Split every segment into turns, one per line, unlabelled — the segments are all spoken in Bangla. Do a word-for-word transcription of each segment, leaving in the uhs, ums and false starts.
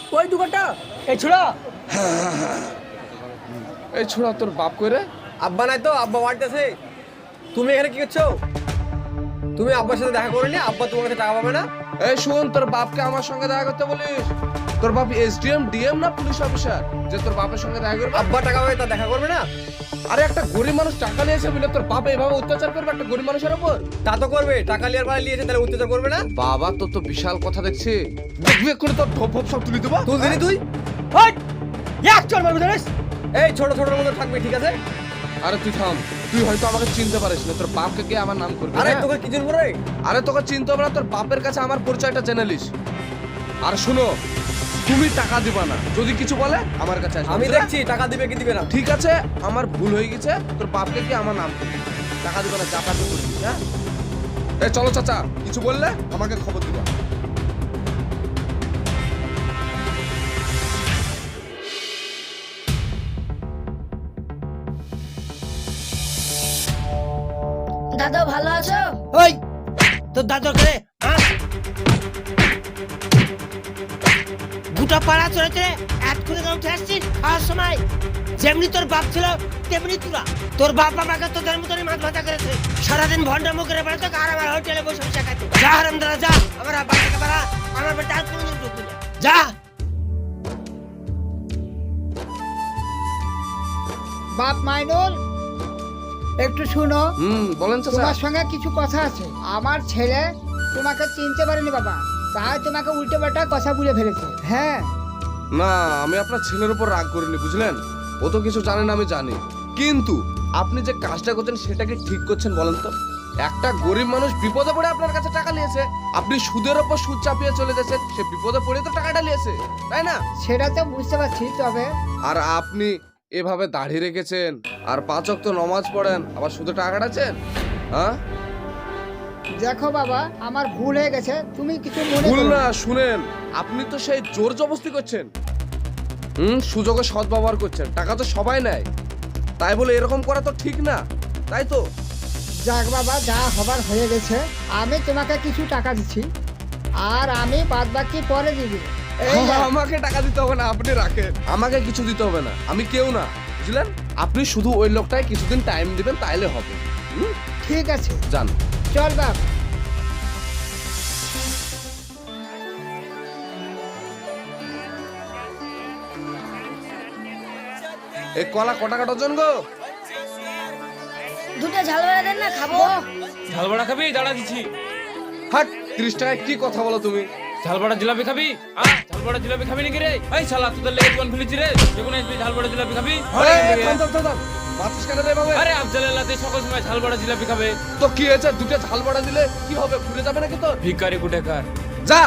ওই দোকানটা এই ছোড়া
এই ছোড়া তোর বাপ করে
আব্বা নাই তো, আব্বা বাড়িতেছে। তুমি এখানে কি করছো? তুমি আব্বার সাথে দেখা করে নি, আব্বা তোমার কাছে টাকা পাবে না।
এই শুন, তোর বাপকে আমার সঙ্গে দেখা করতে বলিস? তোর বাপ এসডিএম ডিএম না পুলিশ অফিসার যে তোর বাপের সঙ্গে দেখা করবে?
আব্বা টাকা পাবে, তা দেখা করবে না?
আরে একটা গরিব মানুষ টাকা নিয়েছে বলে তোর বাপ এভাবে অত্যাচার করবে একটা গরিব মানুষের উপর?
তা তো করবে, টাকা লিয়ার বেলা লিয়েছে, তাহলে অত্যাচার করবে না?
বাবা তোর তো বিশাল কথা দেখছি, দেখবি করে তোর ঢোপ ফোপ সব তুলে দেবো।
তুই দিলি তুই?
ওই এক চল মারবি জানিস?
এই ছোট ছোট মতো থাকবে, ঠিক আছে?
আরে তুই থাম, তুই হয়তো আমাকে চিনতে পারিস না, তোর বাপকে গিয়ে আমার নাম করবি।
আরে
হ্যাঁ?
তোকে কি জন্য রে?
আরে তোকে চিনতে হবে না, তোর বাপের কাছে আমার পরিচয়টা জেনে লিস। আর শুনো, তুমি টাকা দিবা না, যদি কিছু বলে আমার কাছে আসবে।
আমি
বুঝলে?
দেখছি টাকা দিবে কি দিবে না।
ঠিক আছে, আমার ভুল হয়ে গেছে, তোর বাপকে কি আমার নাম করবি, টাকা দিবে না, যা পারবে করবি। হ্যাঁ এই চলো চাচা, কিছু বললে আমাকে খবর দিবা।
দাদা ভালো আছো?
ওই তোর দাদর করে গোটা পাড়া চলে চলে এক করে উঠে আসছিস খাওয়ার সময়। যেমনি তোর বাপ ছিল তেমনি তোরা। তোর বাপ আমাকে তোদের মতনই মাছ ভাজা করেছে, সারাদিন ভন্ডা মুখের বেড়াতো আর আমার হোটেলে বসে বসে খাইতো। যা হারাম দাদা যা, আমার আব্বা থেকে বাড়া, আমার বেটা আর কোনোদিন ঢুকবি না, যা।
বাপ মাইনুল, একটু শুনো,
হুম বলেন চাচা।
তোমার সঙ্গে কিছু কথা আছে। আমার ছেলে তোমাকে চিনতে পারেনি বাবা, তাই তোমাকে উল্টে পাল্টা কথা বলে ফেলেছে। হ্যাঁ,
না আমি আপনার ছেলের উপর রাগ করিনি, বুঝলেন? ও তো কিছু জানে না, আমি জানি। কিন্তু আপনি যে কাজটা করছেন সেটা কি ঠিক করছেন বলেন তো? একটা গরিব মানুষ বিপদে পড়ে আপনার কাছে টাকা নিয়েছে, আপনি সুদের ওপর সুদ চাপিয়ে চলে যাচ্ছেন, সে বিপদে পড়ে তো টাকাটা নিয়েছে, তাই না?
সেটা তো বুঝতে পারছি, তবে
আর আপনি এভাবে দাড়ি রেখেছেন আর পাঁচ ওয়াক্ত নমাজ পড়েন, আবার শুধু টাকা কাটাচ্ছেন। হ্যাঁ
দেখো বাবা, আমার ভুল হয়ে গেছে, তুমি কিছু মনে
ভুল
করো
না,
না।
শুনেন, আপনি তো সেই জোর জবরদস্তি করছেন। হুম সুযোগে সৎ ব্যবহার করছেন, টাকা তো সবাই নেয়, তাই বলে এরকম করা তো ঠিক না, তাই তো?
যাক বাবা, যা হবার হয়ে গেছে। আমি তোমাকে কিছু টাকা দিচ্ছি, আর আমি বাদ বাকি পরে দিয়ে দেবো। এই নাও।
আমাকে টাকা দিতে হবে না, আপনি রাখেন, আমাকে কিছু দিতে হবে না, আমি কেউ না, বুঝলেন? আপনি শুধু ওই লোকটায় কিছুদিন টাইম দিবেন, তাইলে হবে। হুম
ঠিক আছে,
যান।
চল বাপ।
এই কলা কটা কাটা জন গো?
দুটো ঝাল বেড়া দেন না, খাবো।
ঝাল বড়া খাবি? দাঁড়া দিচ্ছি।
হাট, তিরিশ টাকায় কি কথা বলো তুমি?
ঝাল বড়া জিলাপি খাবি? আ ঝাল বড়া জিলাপি খাবি নাকি রে? এই শালা তোদের লেগে কোন ফেলেছি রে? যখন আসবি ঝাল বড়া জিলাপি খাবি?
এই, থাম, থাম, থাম, থাম। মাছিস কেন রে এভাবে?
আরে আফজালাল্লাহ সকল সময় ঝাল বড়া জিলাপি খাবে।
তো কি হয়েছে, দুটো ঝাল বড়া দিলে কি হবে, ভুলে যাবে নাকি তোর?
ভিখারি কুটেকার।
যা।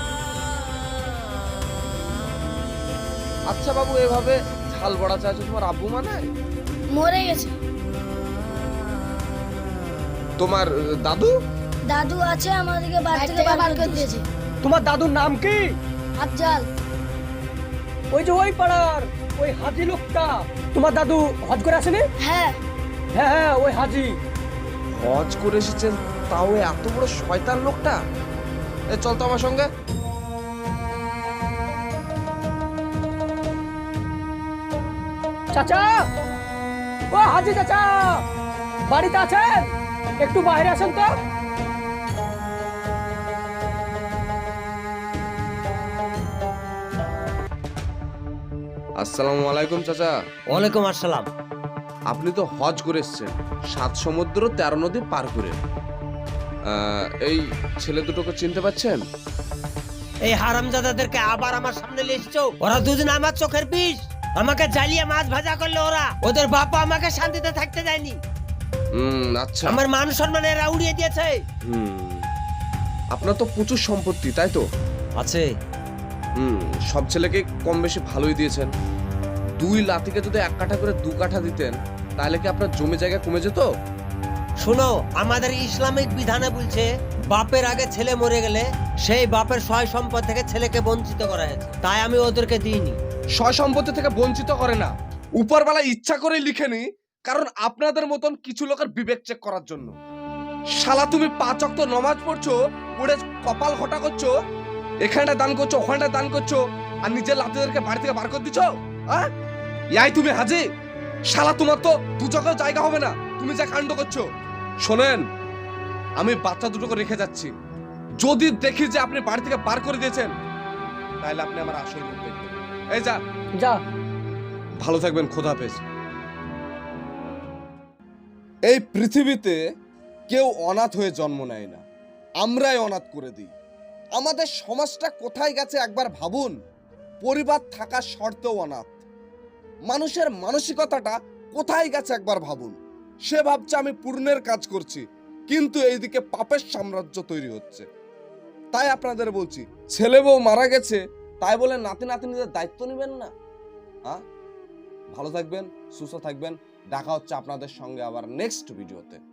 আচ্ছা বাবু, এভাবে ঝাল বড়া চাইছো, তোমার আব্বু মানে?
মরে গেছে।
তোমার আহ, দাদু?
দাদু আছে, আমাদেরকে বাড়ি থেকে বার করে দিয়েছে।
তোমার দাদুর নাম কি?
আফজাল।
ওই যে ওই পাড়ার ওই হাজি লোকটা, তোমার দাদু হজ করে আসেনি?
হ্যাঁ,
হ্যাঁ হ্যাঁ, ওই হাজি।
হজ করে এসেছেন, তাও এত বড় শয়তান লোকটা। এ চল তো আমার সঙ্গে।
চাচা, ও হাজি চাচা, বাড়িতে আছেন? একটু বাইরে আসেন তো।
আসসালামু আলাইকুম চাচা।
ওয়ালাইকুম আসসালাম।
আপনি তো হজ করে এসেছেন, সাত সমুদ্র তেরো নদী পার করে। আহ, এই ছেলে দুটোকে চিনতে পাচ্ছেন?
এই হারামজাদাদেরকে আবার আমার সামনে নিয়ে এসেছো? ওরা দুজন আমার চোখের বিষ, আমাকে জ্বালিয়ে মাছ ভাজা করলো ওরা। ওদের বাবা আমাকে শান্তিতে থাকতে দেয়নি,
হুম আচ্ছা।
আমার মান সম্মান এরা উড়িয়ে দিয়েছে।
হুম আপনার তো প্রচুর সম্পত্তি, তাই তো?
আছে।
হুম সব ছেলেকে কম বেশি ভালোই দিয়েছেন। দুই লাতিকে যদি এক কাঠা করে দু কাঠা দিতেন, তাহলে কি আপনার জমি জায়গা কমে যেত?
শোনো, আমাদের ইসলামিক বিধানে বলছে বাপের আগে ছেলে মরে গেলে সেই বাপের সয় সম্পদ থেকে ছেলেকে বঞ্চিত করা হয়েছে, তাই আমি ওদেরকে দিইনি।
সয় সম্পত্তি থেকে বঞ্চিত করে না, উপরবেলা ইচ্ছা করে লিখেনি, কারণ আপনাদের মতন কিছু লোকের বিবেক চেক করার জন্য। শালা তুমি পাঁচ ওয়াক্ত নমাজ পড়ছো, পড়ে কপাল ঘটা করছো, এখানটা দান করছো, ওখানটা দান করছো, আর নিজের লাতিদেরকে বাড়ি থেকে বার করে দিছো? হ্যাঁ, ইয়াই তুমি হাজি? শালা তোমার তো দু চোখেও জায়গা হবে না, তুমি যা কাণ্ড করছো। শোনেন, আমি বাচ্চা দুটোকে রেখে যাচ্ছি। যদি দেখি যে আপনি বাড়ি থেকে বার করে দিয়েছেন, তাহলে আপনি আমার আসল রূপ দেখবেন। এই যা
যা।
ভালো থাকবেন, খোদা হাফেজ। এই পৃথিবীতে কেউ অনাথ হয়ে জন্ম নেয় না, আমরাই অনাথ করে দিই। আমাদের সমাজটা কোথায় গেছে একবার ভাবুন। পরিবার থাকা সত্ত্বেও অনাথ। মানুষের মানসিকতাটা কোথায় গেছে একবার ভাবুন। সে ভাবছে আমি পুণ্যের কাজ করছি, কিন্তু এইদিকে পাপের সাম্রাজ্য তৈরি হচ্ছে। তাই আপনাদের বলছি, ছেলে বউ মারা গেছে তাই বলে নাতি নাতনিদের দায়িত্ব নেবেন না। হ্যাঁ, ভালো থাকবেন, সুস্থ থাকবেন। দেখা হচ্ছে আপনাদের সঙ্গে আবার নেক্সট ভিডিওতে।